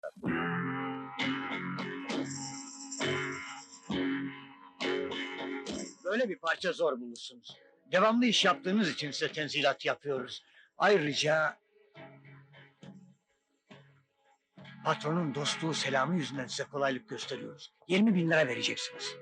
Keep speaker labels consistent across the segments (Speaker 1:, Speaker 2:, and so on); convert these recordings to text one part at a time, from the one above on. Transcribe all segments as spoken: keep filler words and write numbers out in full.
Speaker 1: Böyle bir parça zor bulursunuz. Devamlı iş yaptığınız için size tenzilat yapıyoruz. Ayrıca... patronun dostluğu selamı yüzünden size kolaylık gösteriyoruz. yirmi bin lira vereceksiniz.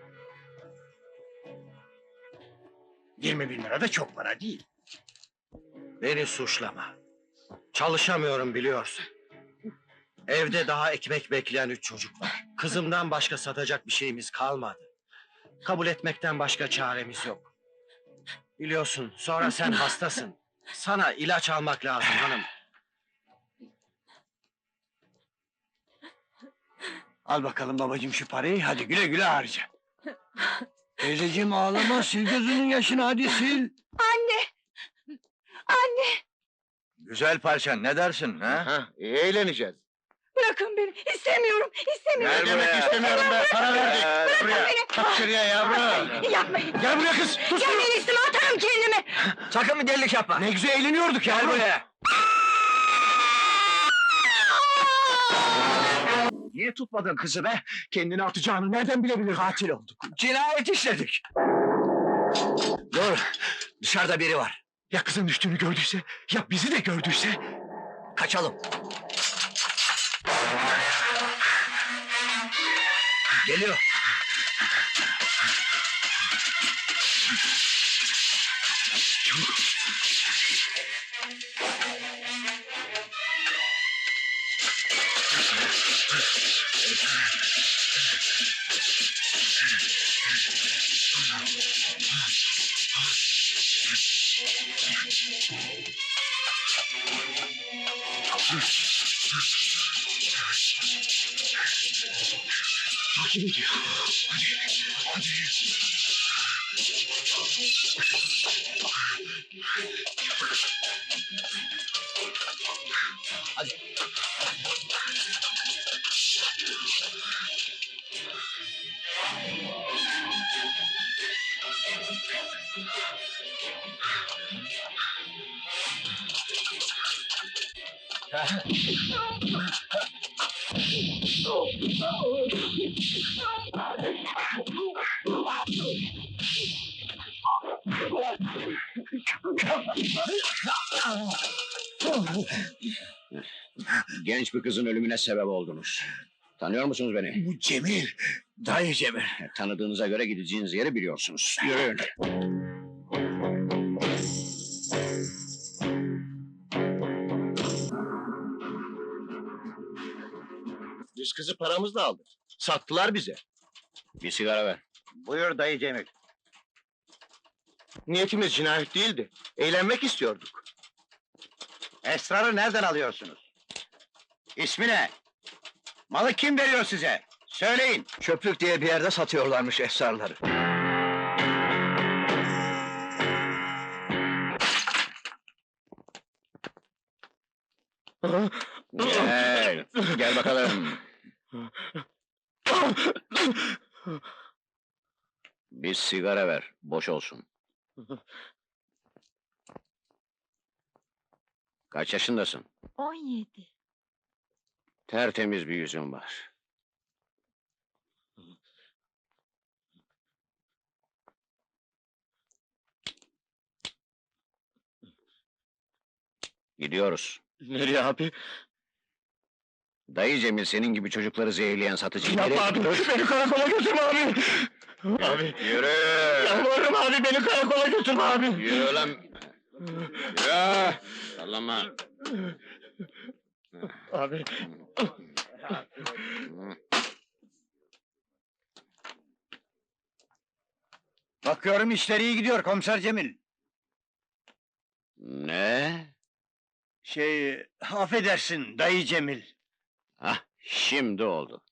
Speaker 1: yirmi bin lira da çok para değil.
Speaker 2: Beni suçlama. Çalışamıyorum biliyorsun. Evde daha ekmek bekleyen üç çocuk var. Kızımdan başka satacak bir şeyimiz kalmadı. Kabul etmekten başka çaremiz yok. Biliyorsun, sonra sen hastasın. Sana ilaç almak lazım hanım.
Speaker 1: Al bakalım babacığım şu parayı, hadi güle güle harca. Teyzeciğim ağlama, sil gözünün yaşını, hadi sil.
Speaker 3: Anne! Anne!
Speaker 4: Güzel parçan, ne dersin ha?
Speaker 2: Ha, iyi eğleneceğiz.
Speaker 3: Bırakın beni! İstemiyorum! İstemiyorum!
Speaker 4: Gel buraya.
Speaker 2: istemiyorum be, para verdik.
Speaker 4: Gel buraya.
Speaker 3: beni!
Speaker 4: Kalk şuraya yavrum.
Speaker 3: Yapmayın!
Speaker 2: Gel buraya kız, sus!
Speaker 3: Gelmeyin üstüme, atarım kendimi!
Speaker 2: Sakın bir delilik yapma. Ne güzel eğleniyorduk ya. Gel buraya.
Speaker 1: Niye tutmadın kızı be? Kendini atacağını nereden bilebilir? Katil olduk.
Speaker 2: Cinayet işledik. Dur, dışarıda biri var.
Speaker 1: Ya kızın düştüğünü gördüyse, ya bizi de gördüyse?
Speaker 2: Kaçalım. Geliyor.
Speaker 1: Takip ediyor. Hadi, hadi.
Speaker 2: Hadi. Genç bir kızın ölümüne sebep oldunuz. Tanıyor musunuz beni?
Speaker 1: Bu Cemil, dayı Cemil.
Speaker 2: Tanıdığınıza göre gideceğiniz yeri biliyorsunuz. Yürüyün.
Speaker 4: Biz kızı paramızla aldık. Sattılar bize.
Speaker 2: Bir sigara ver.
Speaker 4: Buyur dayı Cemil. Niyetimiz cinayet değildi. Eğlenmek istiyorduk.
Speaker 1: Esrarı nereden alıyorsunuz? İsmi ne? Malı kim veriyor size? Söyleyin.
Speaker 4: Çöplük diye bir yerde satıyorlarmış esrarları.
Speaker 2: Gel. Gel bakalım. Bir sigara ver. Boş olsun. Kaç yaşındasın?
Speaker 3: On yedi.
Speaker 2: Tertemiz bir yüzün var. Gidiyoruz.
Speaker 4: Nereye abi?
Speaker 2: Dayı Cemil senin gibi çocukları zehirleyen satıcı.
Speaker 4: Yapma
Speaker 2: Nereye
Speaker 4: abi,
Speaker 2: gidiyoruz?
Speaker 4: beni karakola götürme abi! Abi,
Speaker 2: Yürü!
Speaker 4: yalvarırım abi, beni karakola götürme abi!
Speaker 2: Yürü lan! Yürü! Sallama!
Speaker 4: Abi,
Speaker 1: Bakıyorum işleri iyi gidiyor komiser Cemil.
Speaker 2: Ne?
Speaker 1: Şey, affedersin dayı Cemil.
Speaker 2: Hah, şimdi oldu.